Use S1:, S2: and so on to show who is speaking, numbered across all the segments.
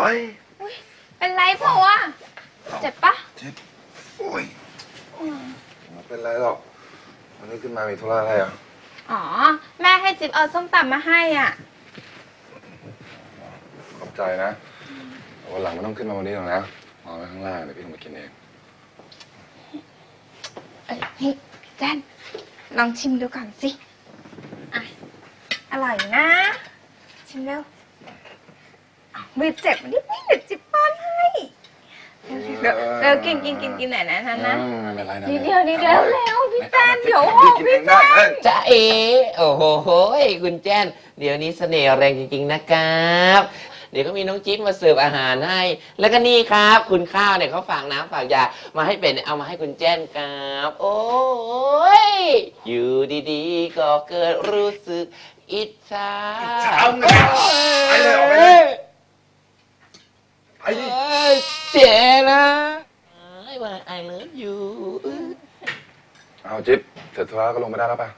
S1: เป็นไรเปล่าวะเจ็บปะ
S2: เจ็บโอ้ยไม่เป็นไรหรอกวันนี้ขึ้นมามีธุระอะไรอ่ะ
S1: อ๋อแม่ให้จิ๊บเอาส้มตำมาให้อ่ะ
S2: ขอบใจนะวันหลังไม่ต้องขึ้นมาวันนี้หรอกนะเอาไว้ข้างล่างเดี๋ยวพี่ลงไปกินเอง
S1: นี่แจนลองชิมดูก่อนสิอร่อยนะชิมเร็วมือเจ็บนิดเดี๋ยวจิ๊บป้อนให้เร็วกินหน่อยนะนะนิดเดียวเร็วพี่แจนเดี๋ยวพี่แจน
S3: จ้าเอโอ้โหคุณแจนเดี๋ยวนี้เสน่ห์แรงจริงๆนะครับเดี๋ยวก็มีน้องจิ๊บมาเสิร์ฟอาหารให้แล้วก็นี่ครับคุณข้าวเนี่ยเขาฝากน้ำฝากยามาให้เป็ดเอามาให้คุณแจนครับโอ้ยอยู่ดีๆก็เกิดรู้สึกอิจฉา
S2: เอาไงไปเลยออกไปเลยไอ้
S3: เจ๋นะไอ้ว่า I love you
S2: เอาจิ๊บเสร็จธุระก็ลงไปได้แล้วป่ะ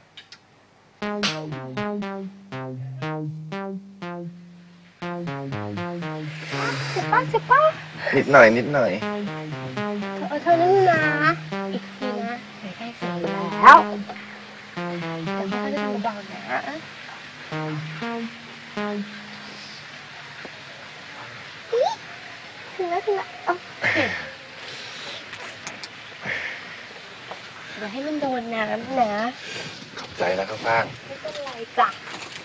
S1: เจ็บป่ะ
S2: นิดหน่อย
S1: เธอนั่งนะอีกทีนะเดี๋ยวได้เสร็จแล้วแต่ว่าจะดูเบาๆนะถึงแล้วเดี๋ยวให้มันโดนน้ำนะ
S2: ขอบใจนะข้าวฟ่าง
S1: ไม่เป็นไรจ้ะ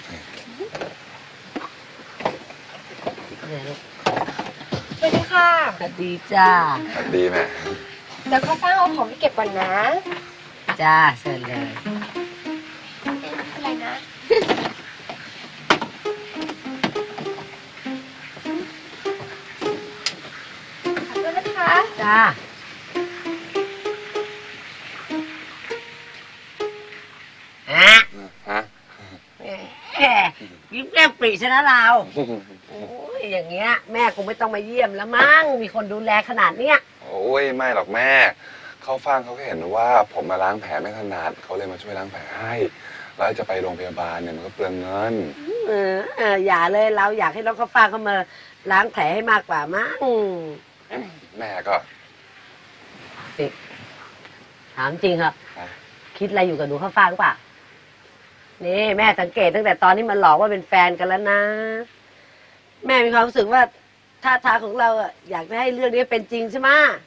S1: สวัสดีค่ะ
S3: สวัสดีจ้า
S2: สวัสดีแม่
S1: เดี๋ยวข้าวฟ่างเอาของไปเก็บก่อนนะ
S3: จ้าเชิญเลย
S1: อะไรนะขอบคุณนะคะ
S3: จ้ายิ้มแก้มปรีชนะเราโอ้ยอย่างเงี้ยแม่คงไม่ต้องมาเยี่ยมแล้วมั้งมีคนดูแลขนาดเนี้ย
S2: โอ้ยไม่หรอกแม่เขาฟังเขาก็เห็นว่าผมมาล้างแผลไม่ถนัดเขาเลยมาช่วยล้างแผลให้แล้วจะไปโรงพยาบาลเนี่ยมันก็เปลืองเงิน
S3: อย่าเลยเราอยากให้น้องข้าวฟ่างเขามาล้างแผลให้มากกว่ามั้ง
S2: แม่ก็
S3: ถามจริงครับคิดอะไรอยู่กับหนูข้าวฟ่างหรือเปล่านี่แม่สังเกตตั้งแต่ตอนที่มันหลอกว่าเป็นแฟนกันแล้วนะแม่มีความรู้สึกว่าท่าทางของเราอยากจะให้เรื่องนี้เป็นจริงใช่ไหม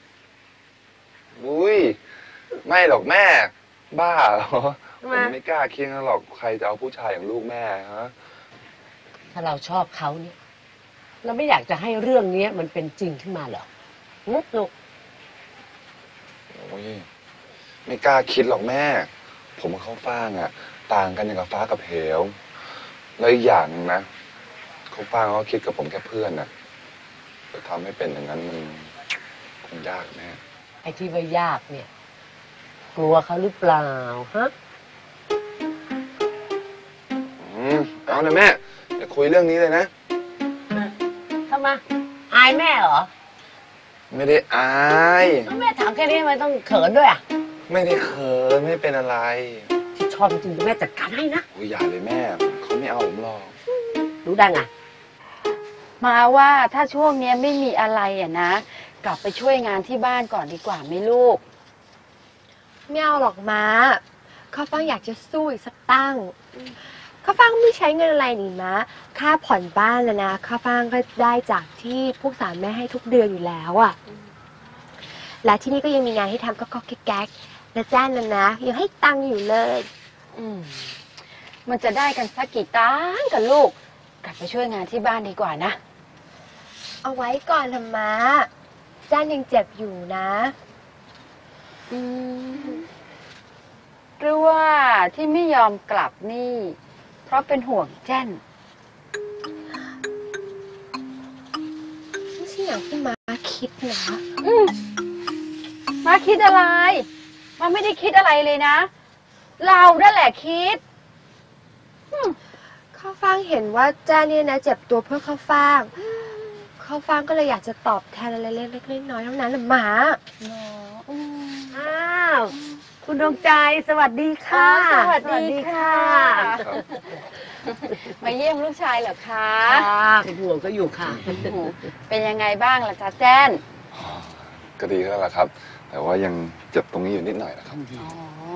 S2: อุ้ยไม่หรอกแม่บ้าเหรอผมไม่กล้าเคียงหรอกใครจะเอาผู้ชายอย่างลูกแม่ฮะ
S3: ถ้าเราชอบเขาเนี่ยเราไม่อยากจะให้เรื่องนี้มันเป็นจริงขึ้นมาเหรอลูก
S2: โอ้ยไม่กล้าคิดหรอกแม่ผมกับเขาฟ้างต่างกันอย่างกับฟ้ากับเหวแล้วอีกอย่างนะเขาฟ้างเขาคิดกับผมแค่เพื่อนจะทำให้เป็นอย่างนั้นมันคงยากแม่
S3: ไอ้ที่ว่ายากเนี่ยกลัวเขาหรือเปล่าฮะ
S2: เอานะแม่อย่าคุยเรื่องนี้เลยนะ
S3: ทำไมอายแม่เหรอ
S2: ไม่ได้อาย
S3: แม่ถามแค่นี้ทำไมต้องเขินด้วย
S2: ไม่ได้เขินไม่เป็นอะไร
S3: ที่ชอบจริงๆแม่จัดการให้นะ
S2: โอ้ยอย่าเลยแม่เขาไม่เอาผมหรอก
S3: รู้ได้ไง
S1: มาว่าถ้าช่วงนี้ไม่มีอะไรนะกลับไปช่วยงานที่บ้านก่อนดีกว่าไหมลูกไม่เอาหรอกม้าข้าวฟ่างอยากจะสู้อีกสักตั้งข้าวฟ่างไม่ใช้เงินอะไรนี่ม้าค่าผ่อนบ้านแล้วนะข้าวฟ่างก็ได้จากที่พวกสามแม่ให้ทุกเดือนอยู่แล้วและที่นี่ก็ยังมีงานให้ทำก็แก๊กและแจ้งแล้วนะยังให้ตังค์อยู่เลยมันจะได้กันสักกี่ตังค์กันลูกกลับไปช่วยงานที่บ้านดีกว่านะเอาไว้ก่อนธรรมะแจ้งยังเจ็บอยู่นะหรือว่าที่ไม่ยอมกลับนี่เพราะเป็นห่วงแจ้นไม่ใช่อย่างที่ม้าคิดนะม้าคิดอะไรม้าไม่ได้คิดอะไรเลยนะเรานั่นแหละคิดข้าวฟ่างเห็นว่าแจ้เนี่ยนะเจ็บตัวเพื่อข้าวฟ่างข้าวฟ่างก็เลยอยากจะตอบแทนอะไรเล็กๆน้อยๆเท่านั้นแหละหมา
S3: อ้าวคุณดวงใจสวัสดีค่ะ
S1: สวัสดีค่ะมาเยี่ยมลูกชายเหรอคะ
S4: ค่ะเป็นห่วงก็อยู่ค่ะ
S1: โอ้โหเป็นยังไงบ้างล่ะจ๊ะแจ้น
S2: ก็ดีแล้วล่ะครับ แต่ว่ายังเจ็บตรงนี้อยู่นิดหน่อยนะครับ
S1: อ๋อ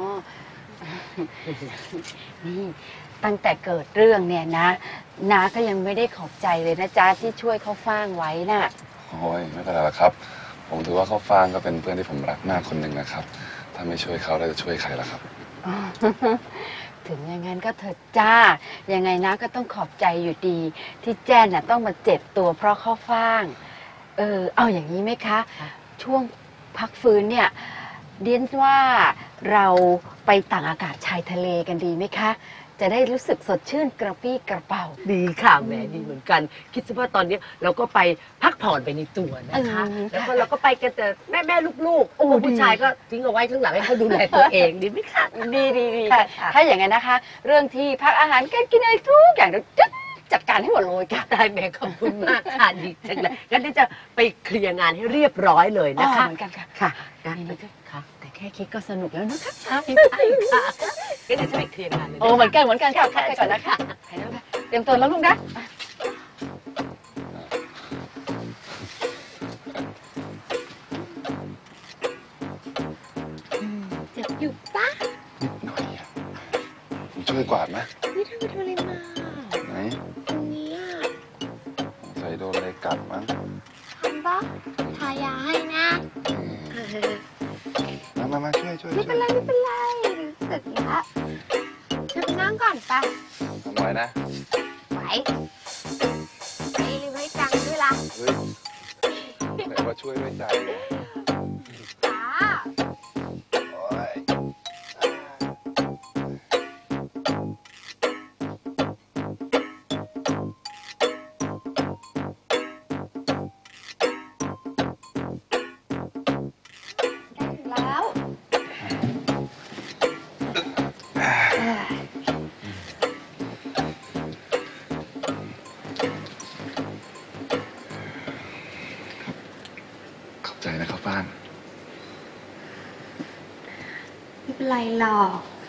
S1: นี่ตั้งแต่เกิดเรื่องเนี่ยนะน้าก็ยังไม่ได้ขอบใจเลยนะจ๊ะที่ช่วยเขาฟ้างไว้น่ะ
S2: โอ้ยไม่เป็นไรหรอกครับ ผมถือว่าเขาฟางก็เป็นเพื่อนที่ผมรักมากคนหนึ่งนะครับ ถ้าไม่ช่วยเขาแล้วจะช่วยใครล่ะครับ
S1: ถึงอย่างนั้นก็เถิดจ้า ยังไงนะก็ต้องขอบใจอยู่ดี ที่แจ้นน่ะต้องมาเจ็บตัวเพราะข้าวฟ่าง เอาอย่างนี้ไหมคะ ช่วงพักฟื้นเนี่ยเดียนว่าเราไปต่างอากาศชายทะเลกันดีไหมคะ จะได้รู้สึกสดชื่นกระปี้กระเป๋า
S4: ดีค่ะแหมดีเหมือนกัน คิดซะว่าตอนนี้เราก็ไปพักผ่อนไปในตัวนะคะ แล้วก็เราก็ไปกันแต่แม่ลูกๆ
S1: โอ้
S4: ผู้
S1: ดี
S4: ชายก็ทิ้งเอาไว้ข้างหลังให้เขาดูแลตัวเองดีไหมคะ
S1: ดี
S4: ค่ะ
S1: ถ้าอย่างนั้นนะคะ เรื่องที่พักอาหารการกินอะไรทุกอย่างเราจัดการให้หมดเลยค่ะ
S4: ได้แม่ขอบคุณมากค่ะดีจังเลยงั้นเดี๋ยวจะไปเคลียร์งานให้เรียบร้อยเลยนะคะ
S1: เหมือนกันค่ะ
S4: ค่ะ
S1: นี่ค่ะ แต่แค่คิดก็สนุกแล้วนะคะ
S4: ใช่ค่ะงั้นเดี๋ยวจะไปเคลียร์งานเลยนะ
S1: โอ้เหมือนกันค่ะเข้าไปก่อนนะคะไปแล้วค่ะเตรียมตัวแล้วลูกนะ
S5: เจ็บอยู่ปะ
S2: นิดหน่อยอะผมช่วยกวาดไหม
S5: นี่เธอไปทำอะไรมา
S2: ไหน
S5: ตรงนี้อ่ะ
S2: สงสัยโดนอะไรกัดมั้ง
S5: ทำปะทายาให้นะ
S2: มาช่วย
S5: ไม่เป็นไรไม่เป็นไรเสร็จแล้วเธอไปนั่งก่อนปะ
S2: ทำไว้นะ
S5: ไหวไม่ลืมให้จังด้วยล่ะ
S2: เฮ้ยแต่ว่าช่วยด้วยใจไง
S5: จ้า
S2: โอ๊ย
S5: ได้ถึงแล้ว
S2: ขอบใจนะครับฟ้าน
S5: ไม่เป็นไรหรอก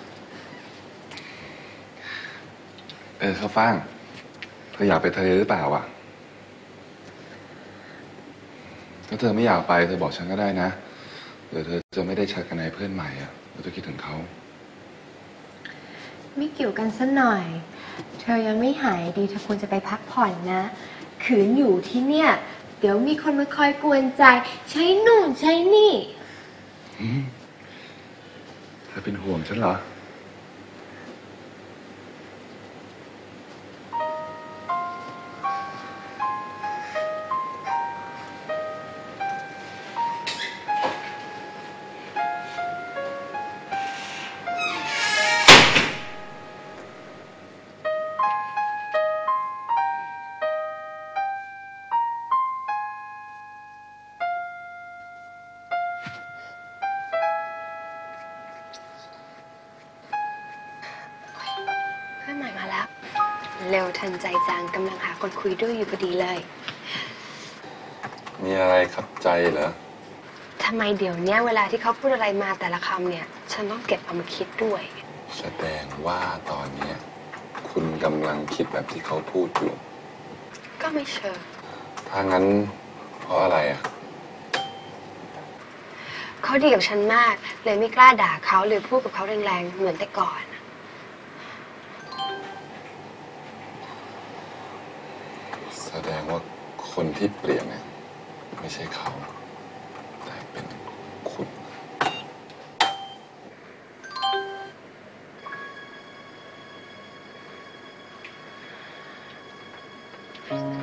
S2: ข้าวฟ่างเธออยากไปทะเลหรือเปล่าอ่ะถ้าเธอไม่อยากไปเธอบอกฉันก็ได้นะเดี๋ยวเธอจะไม่ได้ชักกันในเพื่อนใหม่อ่ะเราจะคิดถึงเขา
S5: ไม่เกี่ยวกันซะหน่อย เธอยังไม่หายดีเธอควรจะไปพักผ่อนนะ ขืนอยู่ที่เนี่ย เดี๋ยวมีคนมาคอยกวนใจ ใช้นู่นใช้นี่
S2: เธอเป็นห่วงฉันเหรอ
S5: เพื่อนใหม่มาแล้ว เร็วทันใจจังกำลังหาคนคุยด้วยอยู่พอดีเลย
S2: มีอะไรขับใจเหรอ
S5: ทำไมเดี๋ยวเนี้ยเวลาที่เขาพูดอะไรมาแต่ละคำเนี่ย ฉันต้องเก็บเอามาคิดด้วย
S2: แสดงว่าตอนเนี้ยคุณกำลังคิดแบบที่เขาพูดอยู่
S5: ก็ไม่เชิง
S2: ถ้างั้นเพราะอะไรอ่ะ
S5: เขาดีกับฉันมาก เลยไม่กล้าด่าเขาหรือพูดกับเขาแรงๆเหมือนแต่ก่อน
S2: แสดงว่าคนที่เปลี่ยนเนี่ยไม่ใช่เขา แต่เป็นคุณ
S5: เ